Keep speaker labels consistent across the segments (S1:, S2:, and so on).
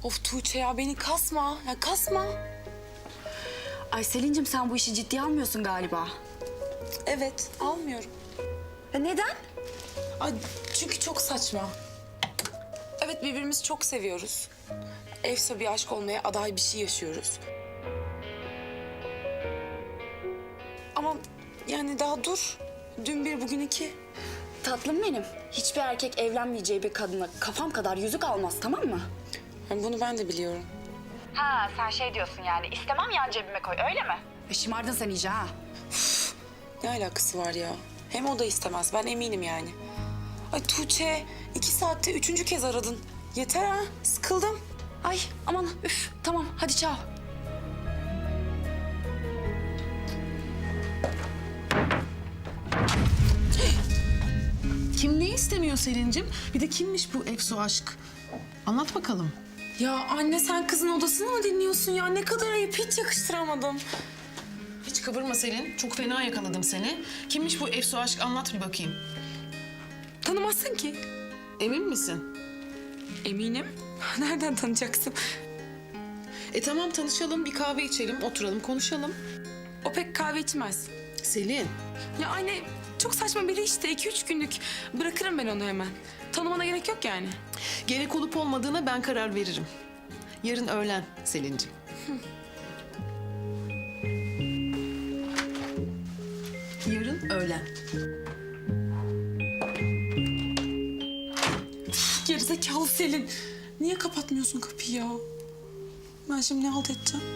S1: Of Tuğçe ya beni kasma. Ya kasma.
S2: Ay Selin'cim sen bu işi ciddiye almıyorsun galiba.
S1: Evet almıyorum.
S2: Neden?
S1: Ay, çünkü çok saçma. Evet birbirimizi çok seviyoruz. Efsa bir aşk olmaya aday bir şey yaşıyoruz. Ama yani daha dur. Dün bir bugün iki.
S2: Tatlım benim. Hiçbir erkek evlenmeyeceği bir kadına kafam kadar yüzük almaz, tamam mı?
S1: Yani bunu ben de biliyorum.
S2: Ha sen şey diyorsun yani istemem yan cebime koy öyle mi? Şımardın sen iyice ha.
S1: Ne alakası var ya? Hem o da istemez. Ben eminim yani. Ay Tuğçe 2 saatte 3. kez aradın. Yeter ha. Sıkıldım.
S2: Ay aman üf tamam hadi çao.
S3: Kim ne istemiyor Selin'cim? Bir de kimmiş bu Efsu aşk? Anlat bakalım.
S1: Ya anne sen kızın odasını mı dinliyorsun ya? Ne kadar ayıp. Hiç yakıştıramadım.
S3: Hiç kıvırma Selin. Çok fena yakaladım seni. Kimmiş bu Efsu aşk? Anlat bir bakayım.
S1: Tanımazsın ki.
S3: Emin misin?
S1: Eminim. Nereden tanıyacaksın?
S3: Tamam tanışalım, bir kahve içelim, oturalım, konuşalım.
S1: O pek kahve içmez.
S3: Selin,
S1: Ya anne çok saçma biri işte. 2-3 günlük. Bırakırım ben onu hemen. Tanımana gerek yok yani.
S3: gerek olup olmadığına ben karar veririm. Yarın öğlen Selin'cim. Yarın öğlen.
S1: Gerizekalı Selin. Niye kapatmıyorsun kapıyı ya? Ben şimdi ne halt edeceğim?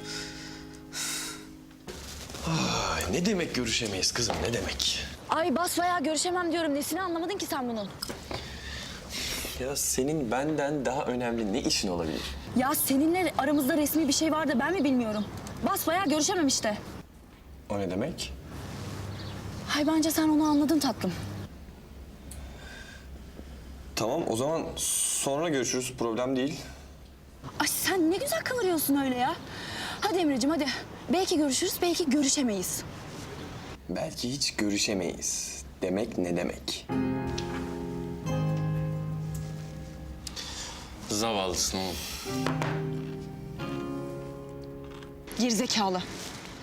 S4: Ay, ne demek görüşemeyiz kızım, ne demek?
S2: Ay basbayağı görüşemem diyorum. Nesini anlamadın ki sen bunun?
S4: Ya senin benden daha önemli ne işin olabilir?
S2: Ya seninle aramızda resmi bir şey var da ben mi bilmiyorum. Basbayağı görüşemem işte.
S4: O ne demek?
S2: Ay bence sen onu anladın tatlım.
S4: Tamam, o zaman sonra görüşürüz, problem değil.
S2: Ay sen ne güzel kıvırıyorsun öyle ya. Hadi Emre'cim hadi. Belki görüşürüz, belki görüşemeyiz.
S4: Belki hiç görüşemeyiz. Demek ne demek?
S5: Zavallısın oğlum.
S2: Gerizekalı.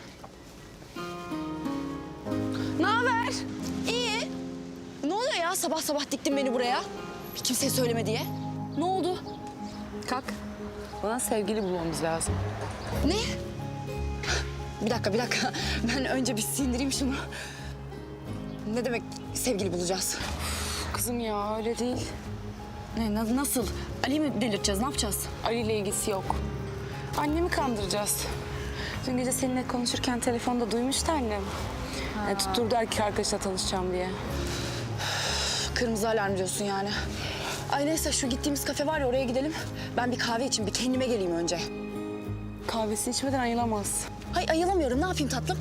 S2: Ne haber? İyi. Ne oluyor ya sabah sabah diktin beni buraya? Kimseye söyleme diye. Ne oldu?
S1: Kalk. Bana sevgili bulmamız lazım.
S2: Ne? Bir dakika. Ben önce bir sindireyim şunu. Ne demek sevgili bulacağız?
S1: Kızım ya öyle değil.
S2: Nasıl? Ali'yi mi delirteceğiz? Ne yapacağız?
S1: Ali ile ilgisi yok. Annemi kandıracağız. Dün gece seninle konuşurken telefonda duymuştu annem. Yani tutturdu erkek arkadaşla tanışacağım diye.
S2: Kırmızı alarm diyorsun yani. Ay neyse şu gittiğimiz kafe var ya oraya gidelim. Ben bir kahve içeyim, bir kendime geleyim önce.
S1: Kahvesini içmeden ayılamaz.
S2: Hay ayılamıyorum. Ne yapayım tatlım?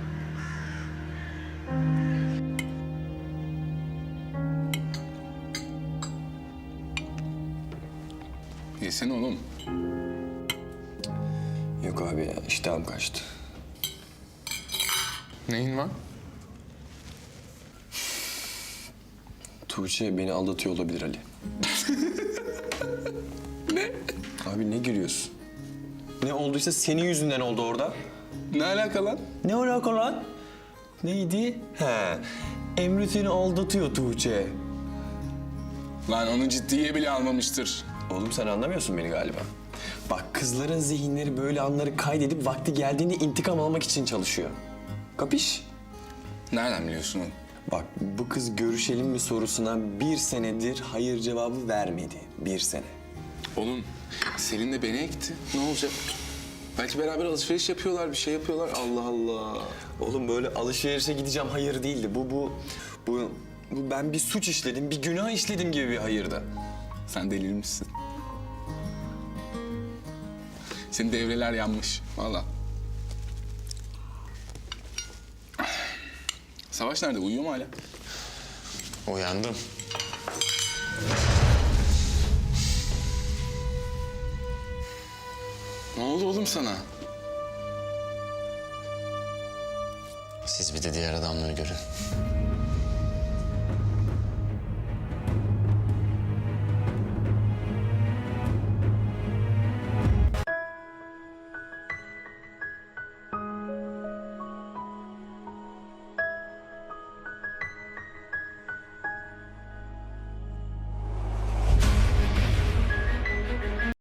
S5: Yesene oğlum.
S4: Yok abi ya, iştahım kaçtı.
S5: Neyin var?
S4: Tuğçe beni aldatıyor olabilir Ali. Ne? Abi ne gülüyorsun? Ne olduysa senin yüzünden oldu orada.
S5: Ne alaka lan?
S4: Ne alaka lan? Neydi? He, Emre seni aldatıyor Tuğçe.
S5: Lan onu ciddiye bile almamıştır.
S4: Oğlum sen anlamıyorsun beni galiba. Bak kızların zihinleri böyle anları kaydedip vakti geldiğinde intikam almak için çalışıyor. Kapış?
S5: Nereden biliyorsun oğlum?
S4: Bak bu kız görüşelim mi sorusuna 1 senedir hayır cevabı vermedi. 1 sene.
S5: Oğlum Selin de beni ekti. Ne olacak? Belki beraber alışveriş yapıyorlar, bir şey yapıyorlar. Allah Allah.
S4: Oğlum böyle alışverişe gideceğim hayır değildi. Bu ben bir suç işledim, bir günah işledim gibi bir hayırdı.
S5: Sen delirmişsin. Senin devreler yanmış. Vallahi. Savaş nerede? Uyuyor mu hala?
S6: Uyandım.
S5: Ne oldu oğlum sana?
S6: Siz bir de diğer adamları görün.